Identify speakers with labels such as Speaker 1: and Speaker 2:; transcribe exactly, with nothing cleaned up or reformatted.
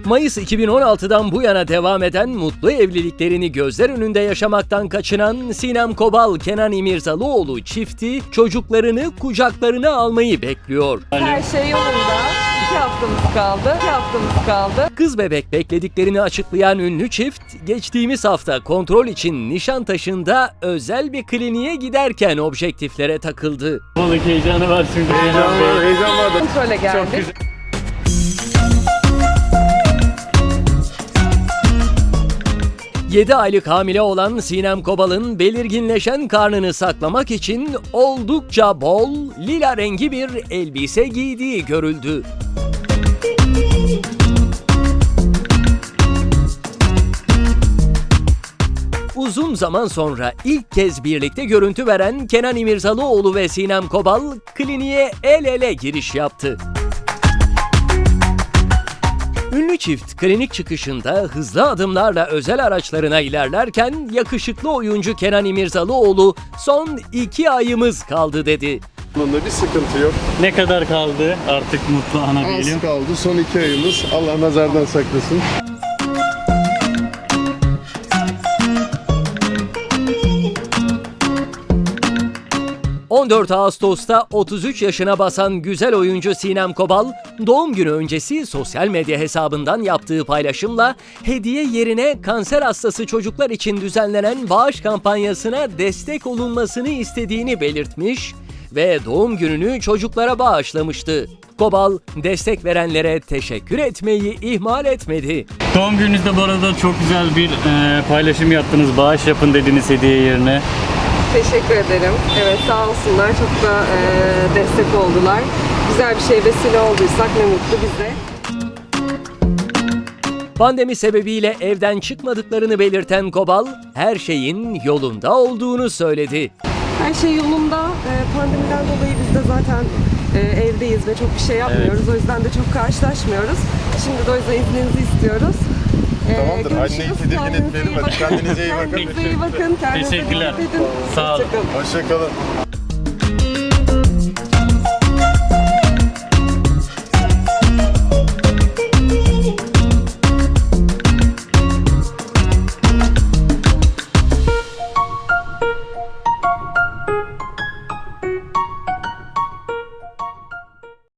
Speaker 1: Mayıs iki bin on altıdan bu yana devam eden mutlu evliliklerini gözler önünde yaşamaktan kaçınan Sinem Kobal, Kenan İmirzalıoğlu çifti çocuklarını kucaklarına almayı bekliyor.
Speaker 2: Her şey yolunda. İki haftamız kaldı. İki haftamız kaldı.
Speaker 1: Kız bebek beklediklerini açıklayan ünlü çift, geçtiğimiz hafta kontrol için Nişantaşı'nda özel bir kliniğe giderken objektiflere takıldı.
Speaker 3: Balık heyecanı var şimdi.
Speaker 4: Heyecan var, heyecan var da.
Speaker 2: Kontrole geldik.
Speaker 3: Çok güzel.
Speaker 1: yedi aylık hamile olan Sinem Kobal'ın belirginleşen karnını saklamak için oldukça bol, lila rengi bir elbise giydiği görüldü. Uzun zaman sonra ilk kez birlikte görüntü veren Kenan İmirzalıoğlu ve Sinem Kobal kliniğe el ele giriş yaptı. Ünlü çift klinik çıkışında hızlı adımlarla özel araçlarına ilerlerken yakışıklı oyuncu Kenan İmirzalıoğlu son iki ayımız kaldı dedi.
Speaker 4: Bunda bir sıkıntı yok.
Speaker 3: Ne kadar kaldı artık mutlu ana diyelim?
Speaker 4: Az kaldı. Son iki ayımız. Allah nazardan saklasın.
Speaker 1: on dört Ağustos'ta otuz üç yaşına basan güzel oyuncu Sinem Kobal, doğum günü öncesi sosyal medya hesabından yaptığı paylaşımla hediye yerine kanser hastası çocuklar için düzenlenen bağış kampanyasına destek olunmasını istediğini belirtmiş ve doğum gününü çocuklara bağışlamıştı. Kobal, destek verenlere teşekkür etmeyi ihmal etmedi.
Speaker 3: Doğum gününüzde bu arada çok güzel bir e, paylaşım yaptınız. Bağış yapın dediniz hediye yerine.
Speaker 2: Teşekkür ederim. Evet, sağ olsunlar. Çok da e, destek oldular. Güzel bir şey vesile olduysak ne mutlu bize.
Speaker 1: Pandemi sebebiyle evden çıkmadıklarını belirten Kobal, her şeyin yolunda olduğunu söyledi.
Speaker 2: Her şey yolunda. E, pandemiden dolayı biz de zaten e, evdeyiz ve çok bir şey yapmıyoruz.
Speaker 3: Evet.
Speaker 2: O yüzden de çok karşılaşmıyoruz. Şimdi de o yüzden izninizi istiyoruz. E,
Speaker 4: Tamamdır. Anneyi
Speaker 2: görüşürüz.
Speaker 4: tedirgin
Speaker 2: Kendinize
Speaker 4: etmeyelim.
Speaker 2: iyi
Speaker 4: Hadi
Speaker 2: bakın.
Speaker 4: kendinize iyi bakın.
Speaker 2: Kendinize iyi bakın. Kendinize
Speaker 3: Teşekkürler.
Speaker 2: dikkat edin.
Speaker 3: Sağ olun.
Speaker 2: Hoşça kalın.
Speaker 4: Hoşça kalın.